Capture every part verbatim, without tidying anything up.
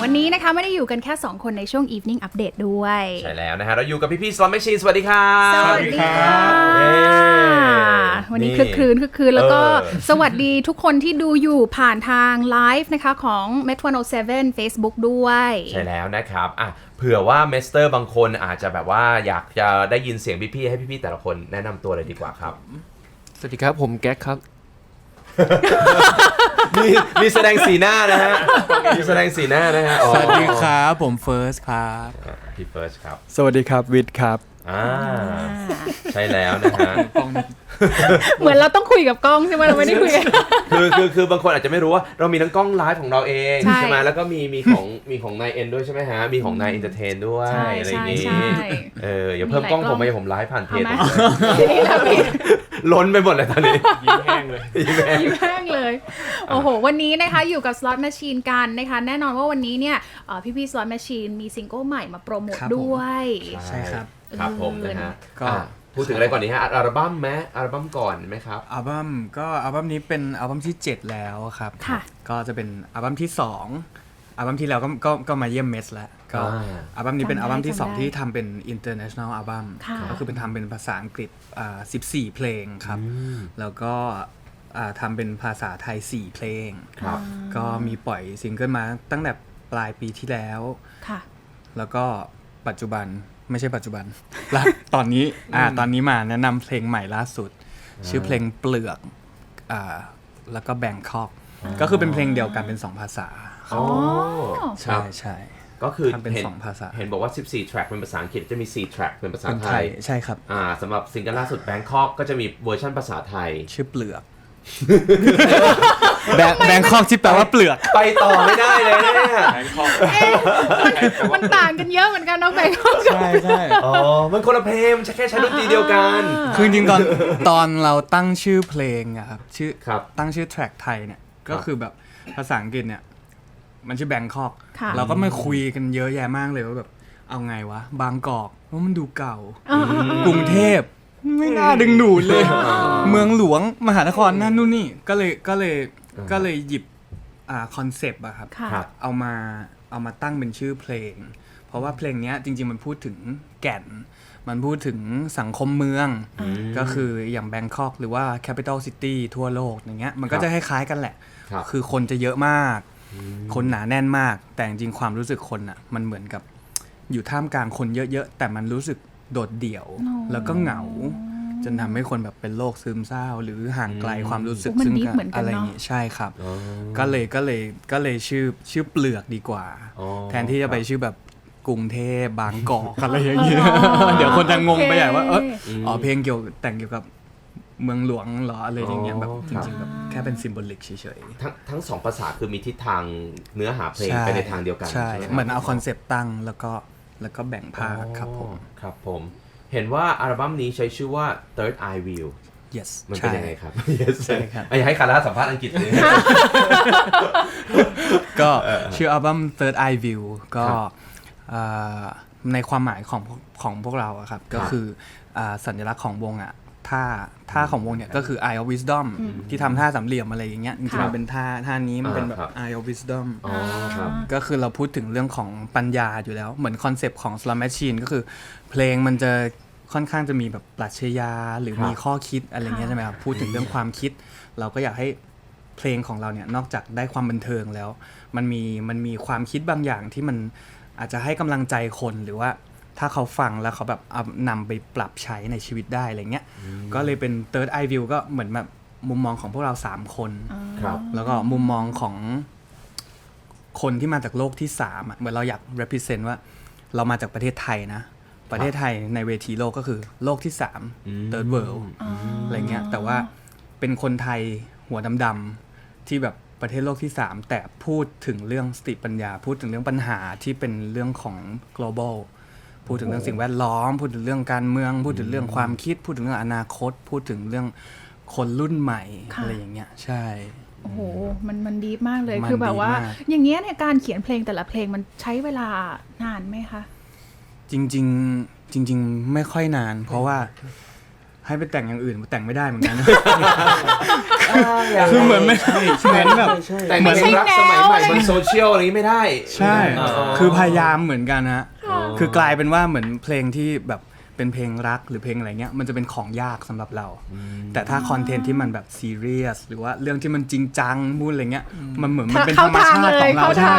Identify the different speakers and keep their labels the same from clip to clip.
Speaker 1: วันนี้นะคะไม่ได้อยู่กันแค่สองคนในช่วง Evening Update ด้วย
Speaker 2: ใช่แล้วนะฮะเราอยู่กับพี่พี่ Slot Machine สวัสดีครับ
Speaker 1: สวัสดีค่ะวันนี้คึกคืนคึกคืนแล้วก็สวัสดีทุกคนที่ดูอยู่ผ่านทางไลฟ์นะคะของ เมท หนึ่งศูนย์เจ็ด Facebook ด้วย
Speaker 2: ใช่แล้วนะครับอ่ะเผื่อว่าเมสเตอร์บางคนอาจจะแบบว่าอยากจะได้ยินเสียงพี่พี่ให้พี่พี่แต่ละคนแนะนำตัวเลยดีกว่าครับ
Speaker 3: สวัสดีครับผมแก๊กครับ
Speaker 2: มีมีแสดงสีหน้านะฮะมีแสดงสีหน้านะฮะ
Speaker 3: สวัสดีครับผมเฟิร์สครับ
Speaker 2: พี่เฟิร์สครับ
Speaker 4: สวัสดีครับวิทย์ครับ
Speaker 2: อ่าใช่แล้วนะฮะ
Speaker 1: เหมือนเราต้องคุยกับกล้องใช่ไหมเราไม่ได้คุยกัน
Speaker 2: คือคือคือบางคนอาจจะไม่รู้ว่าเรามีทั้งกล้องไลฟ์ของเราเองใช่ไหมแล้วก็มีมีของมีของนายเอ็นด้วยใช่ไหมฮะมีของนายเอนเตอร์เทนด้วยอะไรอย่างนี้เอออย่าเพิ่มกล้องผมไปผมไลฟ์ผ่านเพจล้นไปหมดเลยตอนนี้
Speaker 3: ยิ้มแห้งเลย
Speaker 1: ยิ้มแห้งเลยโอ้โหวันนี้นะคะอยู่กับ Slot Machine กันนะคะแน่นอนว่าวันนี้เนี่ยพี่พี่ Slot Machine มีซิงเกิลใหม่มาโปรโมทด้วย
Speaker 2: ใช่ครับครับผมนะฮะก็พูดถึงอะไรก่อนดีฮะอัลบั้มไหมอัลบั้มก่อนไหมครับ
Speaker 4: อัลบั้มก็อัลบั้มนี้เป็นอัลบั้มที่เจ็ดแล้วครับก็จะเป็นอัลบั้มที่สองอัลบั้มที่แล้วก็ก็ก็มาเยี่ยมเมสแล้วก็อัลบั้มนี้เป็นอัลบั้มที่สองที่ทำเป็น international อัลบั้มก็คือเป็นทำเป็นภาษาอังกฤษอ่าสิบสี่เพลงครับแล้วก็อ่าทำเป็นภาษาไทยสี่เพลงก็มีปล่อยซิงเกิลมาตั้งแต่ปลายปีที่แล้วแล้วก็ปัจจุบันไม่ใช่ปัจจุบันแล้วตอนนี้อ่าตอนนี้มาแนะนำเพลงใหม่ล่าสุดชื่อเพลงเปลือกอ่าแล้วก็แบงคอกก็คือเป็นเพลงเดียวกันเป็นสองภาษา
Speaker 2: อ๋อ
Speaker 4: ใช่ใช่
Speaker 2: ก็คือ
Speaker 4: เป็นสองภาษา
Speaker 2: เห็นบอกว่าสิบสี่ track เป็นภาษาอังกฤษจะมีสี่ track เป็นภาษาไทย
Speaker 4: ใช่ครับ
Speaker 2: อ่าสำหรับซิงเกิลล่าสุด Bangkok ก็จะมีเวอร์ชันภาษาไทย
Speaker 4: ชื่อเปลือกแบงคอกที่แปลว่าเปลือก
Speaker 2: ไปต่อไม่ได้เลยเนี่ยแบงคอก
Speaker 1: มันต่างกันเยอะเหมือนกันนะแบงคอก
Speaker 4: ใช่ใช่
Speaker 2: อ๋อมันคนละเพลงแค่ใช้ดนตรีเดียวกัน
Speaker 4: คือจริงๆตอนตอนเราตั้งชื่อเพลงอะครับชื่อตั้งชื่อแทร็กไทยเนี่ยก็คือแบบภาษาอังกฤษเนี่ยมันชื่อแบงคอกเราก็มาคุยกันเยอะแยะมากเลยว่าแบบเอาไงวะบางกอกว่ามันดูเก่ากรุงเทพไม่น่าดึงดูดเลยเมืองหลวงมหานครนั่นนู่นนี่ก็เลยก็เลยก็เลยหยิบอ่าคอนเซปต์อะครับเอามาเอามาตั้งเป็นชื่อเพลงเพราะว่าเพลงนี้จริงๆมันพูดถึงแก่นมันพูดถึงสังคมเมืองก็คืออย่างแบงคอกหรือว่า Capital City ทั่วโลกอย่างเงี้ยมันก็จะคล้ายๆกันแหละคือคนจะเยอะมากคนหนาแน่นมากแต่จริงๆความรู้สึกคนอะมันเหมือนกับอยู่ท่ามกลางคนเยอะๆแต่มันรู้สึกโดดเดี่ยวแล้วก็เหงาจนทำให้คนแบบเป็นโรคซึมเศร้าหรือห่างไกลความรู้สึกซึ่งอะไรอย่างงี้ใช่ครับก็เลยก็เลยก็เลยชื่อชื่อเปลือกดีกว่าแทนที่จะไปชื่อแบบกรุงเทพบางกอกอะไรอย่างเงี้ยเดี๋ยวคนจะงงไปใหญ่ว่าเอออ๋อเพลงเกี่ยวแต่งเกี่ยวกับเมืองหลวงเหรออะไรอย่างเงี้ยแบบจริงๆแบบแค่เป็นซิมโบลิกเฉย
Speaker 2: ๆทั้งทั้งสองภาษาคือมีทิศทางเนื้อหาเพลงไปในทางเดียวกัน
Speaker 4: ใช่เหมือนเอาคอนเซปต์ตั้งแล้วก็แล้วก็แบ่งภาคครับผม
Speaker 2: ครับผมเห็นว่าอัลบั้มนี้ใช้ชื่อว่า Third Eye View
Speaker 4: yes
Speaker 2: มันเป็นยังไงครับ
Speaker 4: yes ใช่ครับ
Speaker 2: อยากให้คาร่าสัมภาษณ์อังกฤษเลย
Speaker 4: ก็ชื่ออัลบั้ม Third Eye View ก็ในความหมายของของพวกเราอะครับก็คือสัญลักษณ์ของวงอะท่าท่าของวงเนี่ยก็คือ Eye of Wisdom ที่ทำท่าสามเหลี่ยมอะไรอย่างเงี้ยจริงๆมันเป็นท่าท่านี้มันเป็นแบบ Eye of Wisdom ก็คือเราพูดถึงเรื่องของปัญญาอยู่แล้วเหมือนคอนเซปต์ของ Slot Machine ก็คือเพลงมันจะค่อนข้างจะมีแบบปรัชญาหรือมีข้อคิดอะไรเงี้ยใช่ไหมครับพูดถึงเรื่องความคิดเราก็อยากให้เพลงของเราเนี่ยนอกจากได้ความบันเทิงแล้วมันมีมันมีความคิดบางอย่างที่มันอาจจะให้กำลังใจคนหรือว่าถ้าเขาฟังแล้วเขาแบบเอานำไปปรับใช้ในชีวิตได้อะไรเงี้ยก็เลยเป็น Third Eye View ก็เหมือนแบบมุมมองของพวกเราสามคนแล้วก็มุมมองของคนที่มาจากโลกที่สามอ่ะเหมือนเราอยาก represent ว่าเรามาจากประเทศไทยนะประเทศไทยในเวทีโลกก็คือโลกที่สาม Third World อะไรเงี้ยแต่ว่าเป็นคนไทยหัวดำๆที่แบบประเทศโลกที่สามแต่พูดถึงเรื่องสติปัญญาพูดถึงเรื่องปัญหาที่เป็นเรื่องของ globalพูดถึงเรื่องสิ่งแวดล้อมพูดถึงเรื่องการเมืองพูดถึงเรื่องความคิดพูดถึงเรื่องอนาคตพูดถึงเรื่องคนรุ่นใหม่อะไรอย่างเงี้ยใช่
Speaker 1: โอ้โหมันมันดีมากเลยคือแบบว่าอย่างเงี้ยในการเขียนเพลงแต่ละเพลงมันใช้เวลานานไหมคะ
Speaker 4: จริงๆจริงๆไม่ค่อยนานเพราะว่าให้ไปแต่งอย่างอื่นแต่งไม่ได้เหมือนกัน คือเหมือนไม่เหมือนแบบ
Speaker 2: แต่งเพลงรักสมัยใหม่บนโซเชียลอะไรนี้ไม่ได้
Speaker 4: ใช่ คือพยายามเหมือนกันฮะคือกลายเป็นว่าเหมือนเพลงที่แบบเป็นเพลงรักหรือเพลงอะไรเงี้ยมันจะเป็นของยากสำหรับเรา แต่ถ้าคอนเทนต์ที่มันแบบซีเรียสหรือว่าเรื่องที่มันจริงจังพูดอะไรเงี้ยมันเหมือนมันเป็นธรรมชาติของเราใช่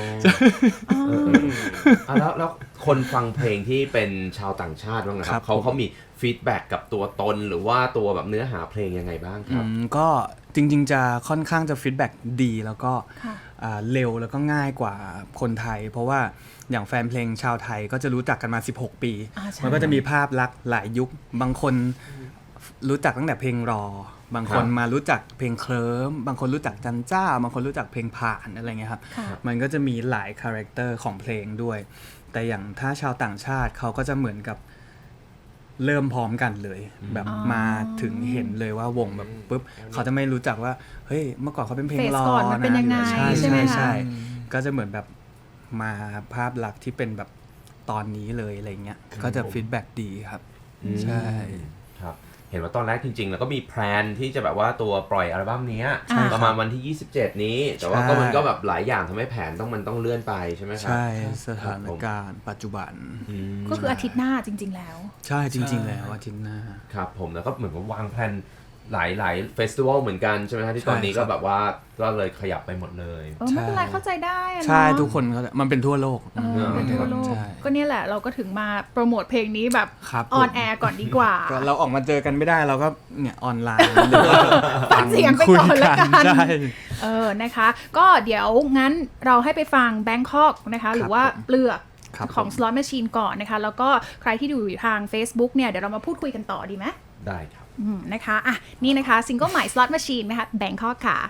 Speaker 2: อ่ะแล้วแล้วคนฟังเพลงที่เป็นชาวต่างชาติบ้างนะครับเขาเขามีฟีดแบ็กกับตัวตนหรือว่าตัวแบบเนื้อหาเพลงยังไงบ้างครับ
Speaker 4: อืมก็จริงๆจะค่อนข้างจะฟีดแบ็กดีแล้วก็อ่าเร็วแล้วก็ง่ายกว่าคนไทย เพราะว่าอย่างแฟนเพลงชาวไทยก็จะรู้จักกันมาสิบหกปี มันก็จะมีภาพลักษณ์หลายยุคบางคนรู้จักตั้งแต่เพลงรอบางคนมารู้จักเพลงเคลิ้มบางคนรู้จักจันเจ้าบางคนรู้จักเพลงผ่านอะไรเงี้ยครับมันก็จะมีหลายคาแรคเตอร์ของเพลงด้วยแต่อย่างถ้าชาวต่างชาติเขาก็จะเหมือนกับเริ่มพร้อมกันเลยแบบมาถึงเห็นเลยว่าวงแบบปุ๊บเขาจะไม่รู้จักว่าเฮ้ยเมื่อก่อนเขาเป็นเพลงรอนะใช่ใช่ใช่ก็จะเหมือนแบบมาภาพลักษณ์ที่เป็นแบบตอนนี้เลยอะไรเงี้ยก็จะฟีดแบ็กดีครับใช่
Speaker 2: ครับเห็นว่าตอนแรกจริงๆแล้วก็มีแพลนที่จะแบบว่าตัวปล่อยอัลบั้มนี้ประมาณวันที่ยี่สิบเจ็ดนี้แต่ว่าก็มันก็แบบหลายอย่างทำให้แผนต้องมันต้องเลื่อนไปใช่ไหมครับ
Speaker 4: ใช่สถานการณ์ปัจจุบัน
Speaker 1: ก็คืออาทิตย์หน้าจริงๆแล้ว
Speaker 4: ใช่จริงๆแล้วอาทิตย์หน้า
Speaker 2: ครับผมแล้วก็เหมือนว่าวางแผนหลายหลายเฟสติวัลเหมือนกันใช่ไหมครับที่ตอนนี้ก็แบบว่าก็เลยขยับไปหมดเลย
Speaker 1: ไม่เป็นไรเข้าใจได้นะ
Speaker 4: ใช่ทุกคนมันเป็นทั่วโลก
Speaker 1: เป็นทั่วโลกก็เนี่ยแหละเราก็ถึงมาโปรโมทเพลงนี้แบบออนแอร์ก่อนดีกว่า
Speaker 4: เราออกมาเจอกันไม่ได้เราก็เนี่ยออนไลน์
Speaker 1: ฟังเสียงไปก่อนละกันเออนะคะก็เดี๋ยวงั้นเราให้ไปฟัง Bangkok นะคะหรือว่าเปลือกของ Slot Machine ก่อนนะคะแล้วก็ใครที่ดูอยู่ทาง Facebook เนี่ยเดี๋ยวเรามาพูดคุยกันต่อดีไหม
Speaker 2: ได้ครับ
Speaker 1: นะคะอ่ะนี่นะคะซิงเกิลใหม่ Slot Machine นะคะ Bangkok ค่ะ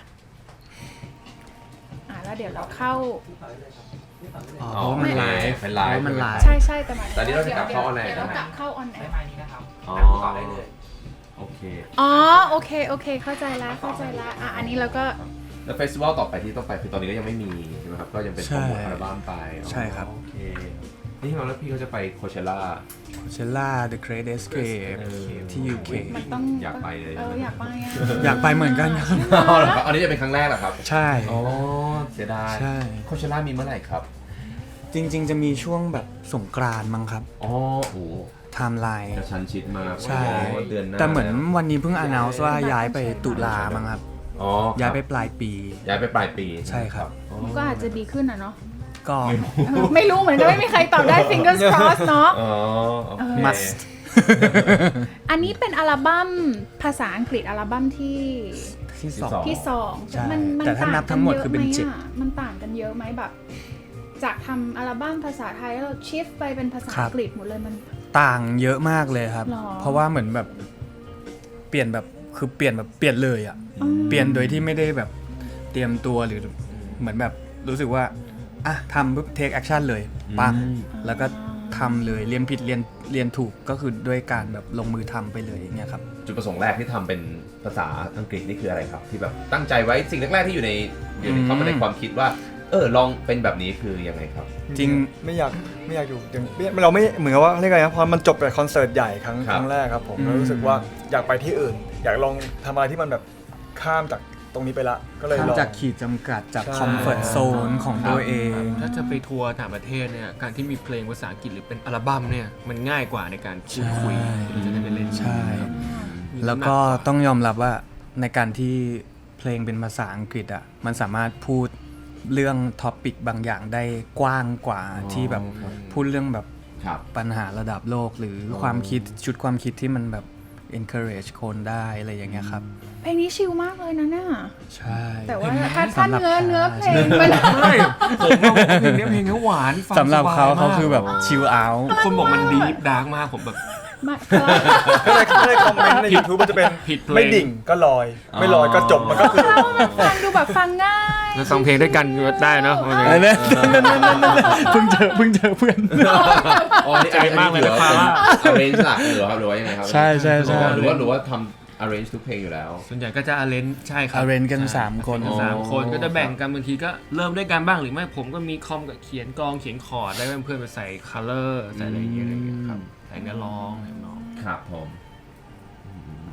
Speaker 1: อ่ะแล้วเดี๋ยวเราเข้า
Speaker 2: อ๋อมันไลฟ์เป็นไลฟ์
Speaker 4: มันไลฟ์
Speaker 1: ใช่ใช่แต่
Speaker 2: ตอนนี้เราจะกลับเข้าออนไลน์
Speaker 1: เดี๋ยวเรากลับเข้าออนไลน์
Speaker 3: นี้นะครับ
Speaker 2: อ๋อได้เลยโอเค
Speaker 1: อ๋อโอเคโอเคเข้าใจแล้วเข้าใจแล้วอ่ะอันนี้เราก็
Speaker 2: แล้วเฟสติวัลต่อไปที่ต้องไปคือตอนนี้ก็ยังไม่มีใช่ไหมครับก็ยังเป็นโปรโมทอัลบั้มไป
Speaker 4: ใช่ครับ
Speaker 2: โอเคนี่เราแล้วพี่เขาจะไปโคเชล่า
Speaker 4: โคเชล่า The Great Escape ที่ ยู เค
Speaker 1: มันต้อง
Speaker 2: อยากไปเลย
Speaker 1: เอออยากไปอ่ะ
Speaker 4: อยากไปเหมือนกันครับ
Speaker 2: อันนี้จะเป็นครั้งแรกเหรอครับ
Speaker 4: ใช่
Speaker 2: อ๋อเสียดาย
Speaker 4: ใช่
Speaker 2: โคเชล่ามีเมื่อไหร่ครับ
Speaker 4: จริงๆจะมีช่วงแบบสงกรานต์มั้งครับ
Speaker 2: อ๋อโอ้
Speaker 4: ไทม์ไลน์
Speaker 2: กระชั้นชิดมาก
Speaker 4: ใช่แต่เหมือนวันนี้เพิ่ง announce ว่าย้ายไปตุลามั้งครับ
Speaker 2: อ๋อ
Speaker 4: ย้ายไปปลายปี
Speaker 2: ย้ายไปปลายปี
Speaker 4: ใช่ครับ
Speaker 1: ก็อาจจะดีขึ้นอ่ะเนาะ
Speaker 4: ก็
Speaker 1: ไม่รู้เหมือนกันไม่มีใครตอบได้ fingers crossed เนาะ
Speaker 2: อ๋อโอเค
Speaker 4: must
Speaker 1: อันนี้เป็นอัลบั้มภาษาอังกฤษอัลบั้มที่
Speaker 4: ที่สอง
Speaker 1: ที่สอง
Speaker 4: มันแต่ถ้านับทั้งหมดคือเป็นเจ็ด
Speaker 1: มันต่างกันเยอะไหมแบบจากทำอัลบั้มภาษาไทยแล้วเราชิฟไปเป็นภาษาอังกฤษหมดเลยมัน
Speaker 4: ต่างเยอะมากเลยครับเพราะว่าเหมือนแบบเปลี่ยนแบบคือเปลี่ยนแบบเปลี่ยนเลยอ่ะเปลี่ยนโดยที่ไม่ได้แบบเตรียมตัวหรือเหมือนแบบรู้สึกว่าอ่ะทำปุ๊บเทคแอคชั่นเลยปังแล้วก็ทำเลยเรียนผิดเรียนเรียนถูกก็คือด้วยการแบบลงมือทำไปเลยอย่างเงี้ยครับ
Speaker 2: จุดประสงค์แรกที่ทำเป็นภาษาอังกฤษนี่คืออะไรครับที่แบบตั้งใจไว้สิ่งแรกๆที่อยู่ในอยู่ในเข้ามาในความคิดว่าเออลองเป็นแบบนี้คือยังไงครับ
Speaker 4: จริง
Speaker 5: ไม่อยากไม่อยากอยู่อย่างเราไม่เหมือนกับว่าเรียกอะไรนะพอมันจบกับคอนเสิร์ตใหญ่ครั้งครั้งแรกครับผมรู้สึกว่าอยากไปที่อื่นอยากลองทำอะไรที่มันแบบข้ามจากตรงนี้ไปละก็เลยลอง
Speaker 4: จากขีดจำกัดจากคอมฟอร์ตโซนของตัวเอง
Speaker 3: ถ้าจะไปทัวร์ต่างประเทศเนี่ยการที่มีเพลงภาษาอังกฤษหรือเป็นอัลบั้มเนี่ยมันง่ายกว่าในการพูดคุยที่จะได้ไปเล่น
Speaker 4: ใช่แล้วก็ต้องยอมรับว่าในการที่เพลงเป็นภาษาอังกฤษอ่ะมันสามารถพูดเรื่องท็อปิกบางอย่างได้กว้างกว่าที่แบบพูดเรื่องแบบปัญหาระดับโลกหรือความคิดชุดความคิดที่มันแบบ encourage คนได้อะไรอย่างเงี้ยครับ
Speaker 1: เพลงนี้ชิลมากเลยนะเนี่ย
Speaker 4: ใช่
Speaker 1: แต่ว่าถ้าท่านเนื้อเนื้อเพลงมัน
Speaker 3: ใช่ผมว่าเพลงนี้เพลงนี้หวาน
Speaker 4: สำหรับเขาเขาคือแบบชิลเอาท์
Speaker 3: คนบอกมันดีฟดาร์กมากผมแบบ
Speaker 1: ไม่
Speaker 5: ก็เลยก็เลยคอมเมนต์ใน YouTube มันจะเป็นไม่ดิ่งก็ลอยไม่ลอยก็จบมันก็คือ
Speaker 1: ฟังดูแบบฟังง่าย
Speaker 3: แล้วฟังเพลงด้วยกันได้เนาะ
Speaker 4: เพิ่งเจอเพิ่งเจอเพื่อน
Speaker 2: อ๋อใจมากเลยนะครับ arrange หลักหรือครับหรือว่ายังไงครับ
Speaker 4: ใช่ใช่ใช่
Speaker 2: หรือว่าหรือว่าทำ arrange ทุกเพลงอยู่แล้ว
Speaker 3: ส่วนใหญ่ก็จะ arrange ใช่ครับ
Speaker 4: arrange กันสามคน
Speaker 3: สามคนก็จะแบ่งกันบางทีก็เริ่มด้วยกันบ้างหรือไม่ผมก็มีคอมกับเขียนกลองเขียนคอร์ดได้เพื่อนๆไปใส่ color ใส่อะไรอย่างเงี้ยครับใส่เนื้อร้องอะไรน้อง
Speaker 2: ครับผม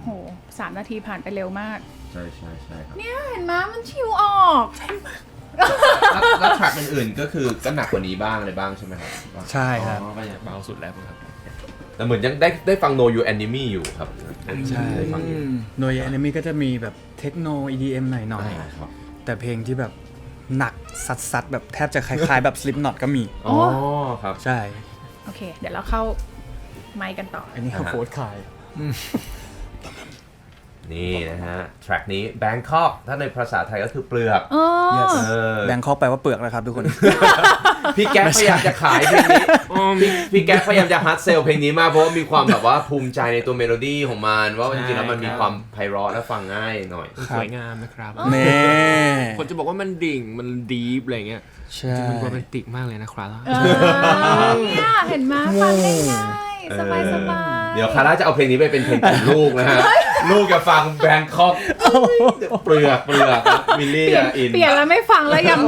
Speaker 1: โหสามนาทีผ่านไปเร็วมาก
Speaker 2: ใช่ใช่ใช่ครับ
Speaker 1: เนี่ยเห็นไหมมันชิวออก
Speaker 2: แล้วแล้วแทร็กอื่นๆก็คือก็หนักกว่านี้บ้างอะไรบ้างใช่ไหมครับ
Speaker 4: ใช่ครับ
Speaker 2: อ๋อก็ยัง
Speaker 3: เบาสุดแล้วครับ
Speaker 2: แต่เหมือนยังได้ได้ฟัง No You Enemy อยู่ครับ
Speaker 4: ใช่
Speaker 2: ได้ฟังอยู่
Speaker 4: โดยแอนิเมะก็จะมีแบบเทคโน อี ดี เอ็ม หน่อย
Speaker 2: อ่าครับ
Speaker 4: ๆแต่เพลงที่แบบหนักซัดๆแบบแทบจะคล้ายๆแบบ Slipknot ก็มี
Speaker 2: อ๋อครับ
Speaker 4: ใช่
Speaker 1: โอเค เดี๋ยวเราเข้าไมค์กันต่อ
Speaker 4: อันนี้เขาโฟร์ขาย
Speaker 2: นี่นะฮะแทร็กนี้ Bangkok ถ้าในภาษาไทยก็คือเปลือก
Speaker 1: อ๋อ
Speaker 2: เออ
Speaker 4: แบงคอกแปลว่าเปลือกนะครับทุกคน
Speaker 2: พี่แก๊ปพยายามจะขายเพลงนี้พี่พี่แก๊ปพยายามจะฮัดเซลเพลงนี้มากเพราะว่ามีความแบบว่าภูมิใจในตัวเมโลดี้ของมันว่าจริงๆแล้วมันมีความไพเราะและฟังง่ายหน่อย
Speaker 3: สวยงามนะครับ
Speaker 4: เน่
Speaker 3: คนจะบอกว่ามันดิ่งมันดีฟอะไรเงี้ย
Speaker 4: ใช่
Speaker 3: จริงๆมันโรแมนติกมากเลยนะครับ
Speaker 1: เออเนี่ยเห็นไหมฟังง่ายๆสบายสบาย
Speaker 2: เดี๋ยวคาร่าจะเอาเพลงนี้ไปเป็นเพลงของลูกนะฮะ ลูกจะฟังแบงคอกเปลือกเปลือกมิลลี่จะอิน
Speaker 1: เปลี่ยนแล้วไม่ฟังแล้วยังมี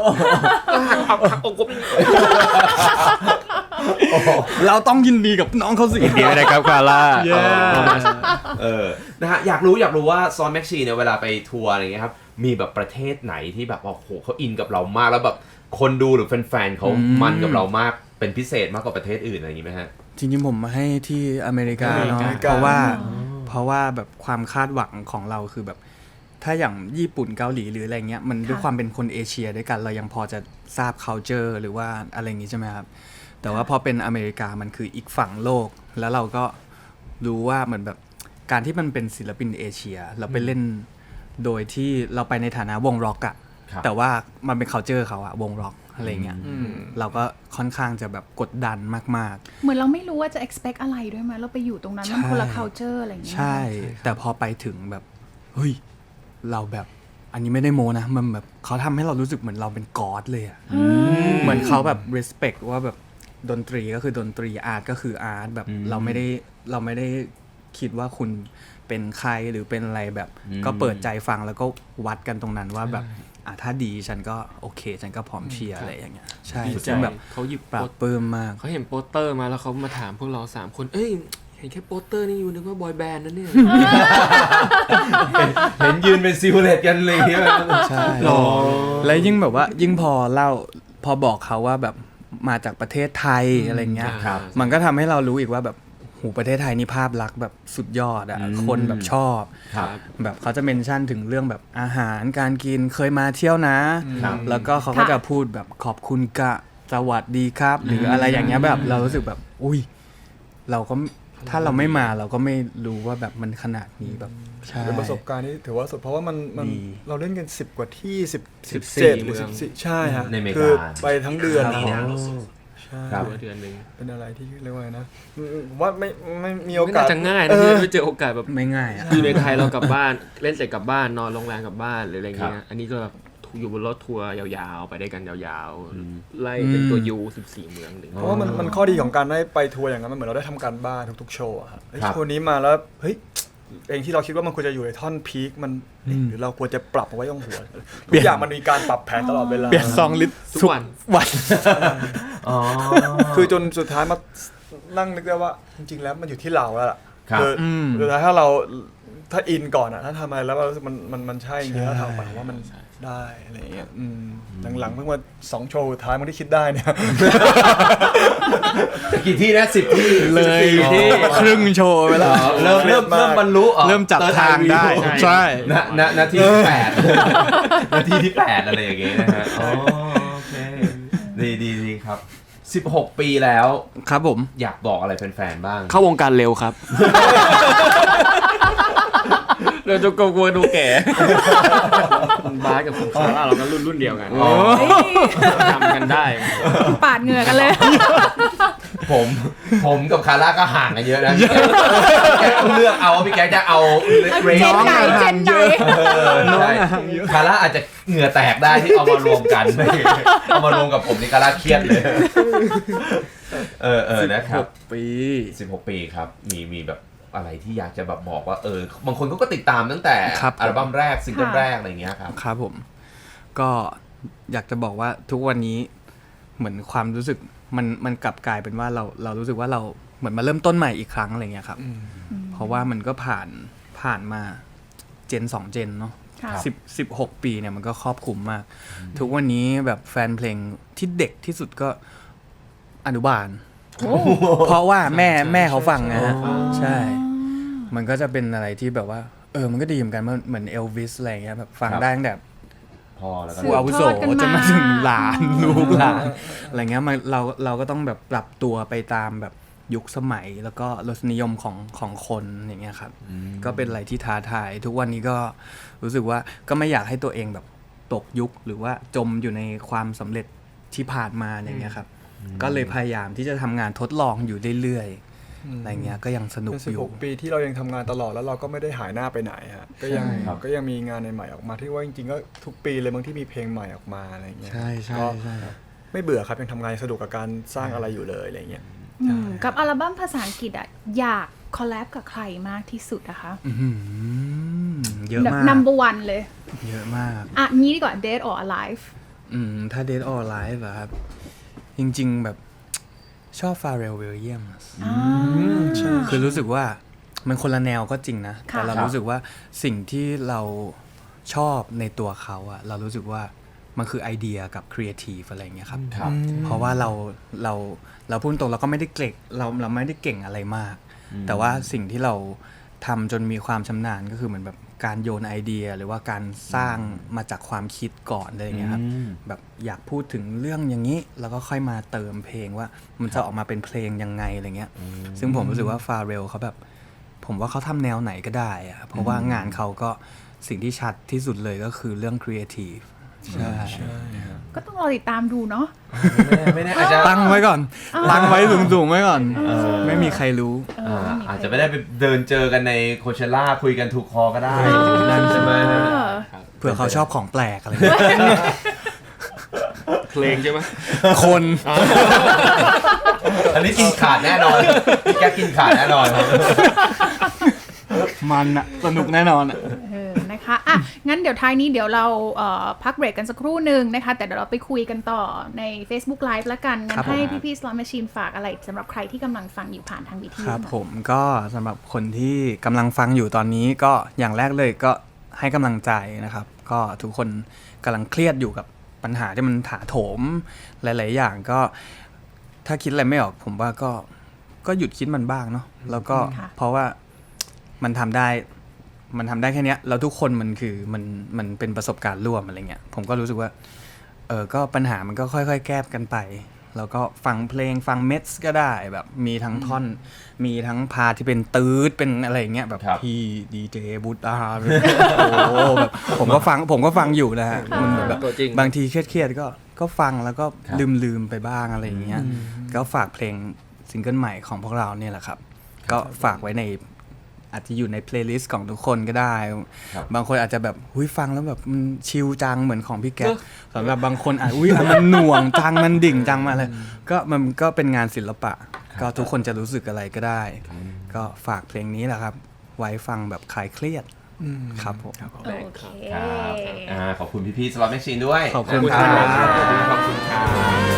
Speaker 4: เราต้องยินดีกับน้องเขาสิยินดีนะครับคาร่า
Speaker 2: เออนะฮะอยากรู้อยากรู้ว่าซอนแม็กชีเนี่ยเวลาไปทัวร์อะไรเงี้ยครับมีแบบประเทศไหนที่แบบว่าโอ้โหเขาอินกับเรามากแล้วแบบคนดูหรือแฟนๆเขามันกับเรามากเป็นพิเศษมากกว่าประเทศอื่นอะไรอย่างงี้ไหมฮะ
Speaker 4: จริงๆผมมาให้ที่อเมริกาเนาะ
Speaker 5: อเมริกา
Speaker 4: เพราะว่าเพราะว่าแบบความคาดหวังของเราคือแบบถ้าอย่างญี่ปุ่นเกาหลีหรืออะไรเงี้ยมันด้วยความเป็นคนเอเชียด้วยกันเรายังพอจะทราบ culture หรือว่าอะไรอย่างงี้ใช่ไหมครับแต่ว่าพอเป็นอเมริกามันคืออีกฝั่งโลกแล้วเราก็รู้ว่าเหมือนแบบการที่มันเป็นศิลปินเอเชียเราไปเล่นโดยที่เราไปในฐานะวงร็อกอะ
Speaker 2: ครับ
Speaker 4: แต่ว่ามันเป็น culture เขาอะวงร็อกอะไรเงี้ยเราก็ค่อนข้างจะแบบกดดันมากๆ
Speaker 1: เหมือนเราไม่รู้ว่าจะ expect อะไรด้วยมั้ยเราไปอยู่ตรงนั้นมันคนละ culture อะไรอย่างเงี้ย
Speaker 4: ใช่ แต่พอไปถึงแบบเฮ้ยเราแบบอันนี้ไม่ได้โมนะมันแบบเขาทำให้เรารู้สึกเหมือนเราเป็นกอดเลยอะเหมือนเขาแบบ respect ว่าแบบดนตรีก็คือดนตรีอาร์ตก็คืออาร์ตแบบ
Speaker 2: อืม
Speaker 4: เราไม่ได้เราไม่ได้คิดว่าคุณเป็นใครหรือเป็นอะไรแบบ
Speaker 2: อืม
Speaker 4: ก็เปิดใจฟังแล้วก็วัดกันตรงนั้นว่าแบบอ่ะถ้าดีฉันก็โอเคฉันก็พร้อมเชียร์อะไรอย่างเงี้ยใช่
Speaker 3: ดีใจ
Speaker 4: ซึ่งแบบ
Speaker 3: เขาหยิบ
Speaker 4: ปรา
Speaker 3: โป
Speaker 4: บ
Speaker 3: ส
Speaker 4: ปลื้มมาก
Speaker 3: เขาเห็นโปสเตอร์มาแล้วเขามาถามพวกเราสามคนเอ้ยเห็นแค่โปสเตอร์นี่อยู่นึกว่าบอยแบนด์นะเนี่ย
Speaker 2: เห็นยืนเป็นซิลเลตกันเลยเนี่ย
Speaker 4: ใช่
Speaker 2: หรอ
Speaker 4: แล้วยิ่งแบบว่ายิ่งพอเล่าพอบอกเขาว่าแบบมาจากประเทศไทยอะไรเงี้ย
Speaker 2: ครับ
Speaker 4: มันก็ทำให้เรารู้อีกว่าแบบหูประเทศไทยนี่ภาพลักษณ์แบบสุดยอดอะ
Speaker 2: อืม
Speaker 4: คนแบบชอบ
Speaker 2: ครับ
Speaker 4: แบบเขาจะเมนชั่นถึงเรื่องแบบอาหารการกินเคยมาเที่ยวนะ
Speaker 2: ครับ
Speaker 4: แล้วก็เขาก็จะพูดแบบขอบคุณกะสวัสดีครับ หรืออะไรอย่างเงี้ยแบบเรารู้สึกแบบอุ้ยเราก็ถ้าเราไม่มาเราก็ไม่รู้ว่าแบบมันขนาดนี้แบบใช่
Speaker 5: เป็นประสบการณ์ที่ถือว่าสุดเพราะว่ามันมัน
Speaker 4: ดี
Speaker 5: เราเล่นกันสิบกว่าที่สิบ
Speaker 3: สิบ
Speaker 5: เจ็ด
Speaker 3: สี่
Speaker 5: หรือ
Speaker 3: เมื
Speaker 5: สิ
Speaker 3: อง
Speaker 5: บสี่ใช่ฮะ
Speaker 2: ในอเมริกา
Speaker 5: คือไปทั้งเดือน
Speaker 2: ครับ
Speaker 5: นะ
Speaker 2: ผม
Speaker 5: ใช่
Speaker 2: ครับ
Speaker 3: เดือนหนึ่ง
Speaker 5: เป็นอะไรที่เรียกว่าไงนะอืมว่าไม่ไม่มีโอ
Speaker 3: ไม่
Speaker 5: กา
Speaker 3: น่า
Speaker 5: ส
Speaker 3: จะง่าย
Speaker 5: เอ
Speaker 3: นะ
Speaker 5: อ
Speaker 3: ที่จะไปเจอโอกาสแบบ
Speaker 4: ไม่ง่ายอะ
Speaker 3: อยู่ในไทยเรากลับบ้านเล่นเสร็จกลับบ้านนอนโรงแรมกลับบ้านหรืออะไรเงี้
Speaker 2: ครั
Speaker 3: ย
Speaker 2: บ
Speaker 3: อันนี้ก็แบบอยู่บนรถทัวร์ยาวๆ ไปได้กันยาวๆ ไล่เป็นตัวยูสิบสี่เมืองหนึ่ง
Speaker 5: เพราะว่ามันมันข้อดีของการได้ไปทัวร์อย่างนั้นมันเหมือนเราได้ทำการบ้านทุกๆโชว์อะครับเฮ้ย
Speaker 2: ครับ
Speaker 5: โชว์นี้มาแล้วเฮ้ยเองที่เราคิดว่ามันควรจะอยู่ในท่อนพีคมันเอ๊ะหรือเราควรจะปรับเอาไว้ตรงหัวทุกอย่างมันมีการปรับแผนตลอดเวลา
Speaker 4: เปลี่ยนซองลิตร
Speaker 3: ทุกวัน
Speaker 4: วัน
Speaker 2: อ๋อ
Speaker 5: คือจนสุดท้ายมานั่งนึกได้ว่าจริงๆแล้วมันอยู่ที่เราแล้วล่ะ
Speaker 2: ครับ
Speaker 5: คืออ
Speaker 4: ม
Speaker 5: สุดท้ายถ้าเราถ้าอินก่อนอะถ้าทำอะไรแล้วเรารู้สึกมันมันมันใช่จริงๆแล้วทำไปว่ามันได้อะไรอย่างเงี้ยอืมหลังๆเพิ่งมาสองโชว์สุดท้ายมันที่คิดได้เนี่ย
Speaker 2: กี่ที่นะสิบที่
Speaker 4: เลย
Speaker 2: สิบที่
Speaker 4: ครึ่งโชว์ไปแล้ว
Speaker 2: เริ่มเริ่มเริ่มบรรลุอ๋อ
Speaker 4: เริ่มจับทางได้ ใช่
Speaker 2: ณณนาทีที่แปดนาทีที่แปดอะไรอย่างเงี้ยนะฮะอ๋อโอเคดีดีดีครับสิบหกปีแล้ว
Speaker 4: ครับผม
Speaker 2: อยากบอกอะไรแฟนๆบ้าง
Speaker 3: เข้าวงการเร็วครับ เราจะกลัวดูแก่บาสกับคุณคาร่าเราก็รุ่นรุ่นเดียวกัน
Speaker 2: อ๋อ
Speaker 3: ทำกันได้
Speaker 1: ปาดเหงื่อกันเลย
Speaker 2: ผมผมกับคาร่าก็ห่างกันเยอะนะแกต้องเลือกเอาว่าพี่แกจะเอาเร
Speaker 1: เจ
Speaker 2: น
Speaker 1: นไหนเจนไหน
Speaker 2: เออใช่คาร่าอาจจะเหงื่อแตกได้ที่เอามารวมกันเอามารวมกับผมนี่คาร่าเครียดเลยเออเออนะครับ
Speaker 4: ปี
Speaker 2: สิบหกปีครับมีมีแบบอะไรที่อยากจะแบบบอกว่าเออบางคนเขาก็ติดตามตั้งแต่
Speaker 4: ครับผม
Speaker 2: อัลบั้มแรกซิงเกิล
Speaker 1: ค่ะ
Speaker 2: แรกอะไรอย่างเงี้ยครับ
Speaker 4: ครับผม ก็อยากจะบอกว่าทุกวันนี้เหมือนความรู้สึกมันมันกลับกลายเป็นว่าเราเรารู้สึกว่าเราเหมือนมาเริ่มต้นใหม่อีกครั้งอะไรเงี้ยครับ เพราะว่ามันก็ผ่านผ่านมาเจนสองเจนเนาะ
Speaker 1: ค่ะ
Speaker 4: สิบสิบหกปีเนี่ยมันก็ครอบคลุมมาก ทุกวันนี้แบบแฟนเพลงที่เด็กที่สุดก็อนุบาล เพราะว่าแม่แม่เขาฟังนะฮะใช่ มันก็จะเป็นอะไรที่แบบว่าเออมันก็ดีเหมือนกันเหมือนเอลวิสอะไรเงี้ยแบบฟังได้ตั้งแต่
Speaker 2: พอแล้วก็
Speaker 4: ผู้อาวุโส
Speaker 1: สืบทอดกันมา
Speaker 4: จนมาถึงหลานลูกหลานอะไรเงี้ยมันเราเราก็ต้องแบบปรับตัวไปตามแบบยุคสมัยแล้วก็รสนิยมของของคนอย่างเงี้ยครับก็เป็นอะไรที่ท้าทายทุกวันนี้ก็รู้สึกว่าก็ไม่อยากให้ตัวเองแบบตกยุคหรือว่าจมอยู่ในความสำเร็จที่ผ่านมาอย่างเงี้ยครับก็เลยพยายามที่จะทำงานทดลองอยู่เรื่อยๆอะไรเงี้ยก็ยังสนุก
Speaker 5: เป็นสิ
Speaker 4: อบ ยู่
Speaker 5: หกปีที่เรายังทำงานตลอดแล้วเราก็ไม่ได้หายหน้าไปไหนฮะก็ยัง
Speaker 2: ใช่ครับ
Speaker 5: ก็ยังมีงานใหม่ๆออกมาที่ว่าจริงๆก็ทุกปีเลยบางที่มีเพลงใหม่ออกมาอะไรเงี้ย
Speaker 4: ใช่ใช่
Speaker 5: ก็
Speaker 4: ใช่
Speaker 5: ไม่เบื่อครับยังทำงานสนุกกับการสร้างอะไรอยู่เลยอะไรเงี้ย
Speaker 1: อืมกับอัลบั้มภาษาอังกฤษอะอยากคอลแลบกับใครมากที่สุดนะคะ
Speaker 4: อื้อหือเยอะมาก
Speaker 1: number one เลย
Speaker 4: เยอะมาก
Speaker 1: อ่ะงี้ดีกว่า Dead or Alive
Speaker 4: อืมถ้า Dead or Alive เหรอครับ จริงๆแบบชอบ Pharrell Williams คือรู้สึกว่ามันคนละแนวก็จริงนะ
Speaker 1: ค่ะ
Speaker 4: แต่เรารู้สึกว่าสิ่งที่เราชอบในตัวเขาอะเรารู้สึกว่ามันคือไอเดียกับครีเอทีฟอะไรอย่างเงี้ยครับ
Speaker 2: ครับ
Speaker 4: เพราะว่าเราเราเราพูดตรงเราก็ไม่ได้เก่งเราเราไม่ได้เก่งอะไรมาก แต่ว่าสิ่งที่เราทำจนมีความชำนาญก็คือเหมือนแบบการโยนไอเดีย หรือว่าการสร้างมาจากความคิดก่อนอะไรอย่างเงี้ยครับ
Speaker 2: อืม
Speaker 4: แบบอยากพูดถึงเรื่องอย่างนี้แล้วก็ค่อยมาเติมเพลงว่ามันจะออกมาเป็นเพลงยังไงอะไรเงี้ยซึ่งผมรู้สึกว่าฟาเรลเขาแบบผมว่าเขาทำแนวไหนก็ได้อะเพราะว่างานเขาก็สิ่งที่ชัดที่สุดเลยก็คือเรื่องครีเอทีฟใช่
Speaker 1: ก็ต้องรอติดตามดูเนาะ
Speaker 2: ไม่แน่อาจจะ
Speaker 4: ตั้งไว้ก่อน ตั้งไว้สูงๆไว้ก่อน ไม่มีใครรู้
Speaker 2: อ่าอาจจะไม่ได้ไปเดินเจอกันในโคเชล่าคุยกันถูกคอก็ได้นั่นใช่ไหม
Speaker 1: เออ
Speaker 4: เผื่อเขาชอบของแปลกอะไรเงี้ย
Speaker 3: เพลงใช่ไหม
Speaker 4: คน
Speaker 2: อันนี้กินขาดแน่นอนแกกินขาดแน่นอนครับ
Speaker 4: มันอะสนุกแน่นอนอะ
Speaker 1: เออนะคะอ่ะงั้นเดี๋ยวท้ายนี้เดี๋ยวเราเอ่อพักเบรกกันสักครู่หนึ่งนะคะแต่เดี๋ยวเราไปคุยกันต่อใน Facebook Live แล้วกันงั้นให้พี่ๆ Slot Machine ฝากอะไรสำหรับใครที่กำลังฟังอยู่ผ่านทางวิทยุ
Speaker 4: ครับผมก็สำหรับคนที่กำลังฟังอยู่ตอนนี้ก็อย่างแรกเลยก็ให้กำลังใจนะครับ ก็ทุกคนกำลังเครียดอยู่กับปัญหาที่มันถาโถมหลาย ๆ อย่างก็ถ้าคิดอะไรไม่ออกผมว่าก็ก็หยุดคิดมันบ้างเนาะแล้วก็เพราะว่ามันทำได้มันทำได้แค่เนี้ยแล้วทุกคนมันคือมันมันเป็นประสบการณ์ร่วมอะไรเงี้ยผมก็รู้สึกว่าเออก็ปัญหามันก็ค่อยๆแก้กันไปแล้วก็ฟังเพลงฟังเมทก็ได้แบบมีทั้งท่อนมีทั้งพาร์ทที่เป็นตื๊ดเป็นอะไรเงี้ยแบบ
Speaker 2: ครับ
Speaker 4: พี่ดีเจบูตอาร์โอ้โหแบบผมก็ฟังผมก็ฟังอยู่นะฮะมันแบบ
Speaker 3: ตัวจริง
Speaker 4: บางทีเครียดๆก็ก็ฟังแล้วก็
Speaker 2: ครับ
Speaker 4: ลืมลืมๆไปบ้างอะไรอย่างเงี้ยก็ฝากเพลงซิงเกิลใหม่ของพวกเราเนี่ยแหละครับก็ฝากไว้ในอาจจะอยู่ในเพลย์ลิสต์ของทุกคนก็ได้
Speaker 2: ครับ
Speaker 4: บางคนอาจจะแบบหุ้ยฟังแล้วแบบมันชิลจังเหมือนของพี่แก๊ปสำหรับบางคนอาจอุ้ยอ่ะมันหน่วงจังมันดิ่งจังมาเลยก็มันก็เป็นงานศิลปะ ก็ทุกคนจะรู้สึกอะไรก็ได้ ก็ฝากเพลงนี้แหละครับ ไว้ฟังแบบคลายเครียดครับผม
Speaker 1: โอเค
Speaker 2: ครับอ่าขอบคุณพี่ๆ Slot Machine ด้วย
Speaker 4: ขอบคุณ
Speaker 3: ขอบคุณ
Speaker 4: ครับ
Speaker 3: ครับ
Speaker 2: ขอบคุณครับ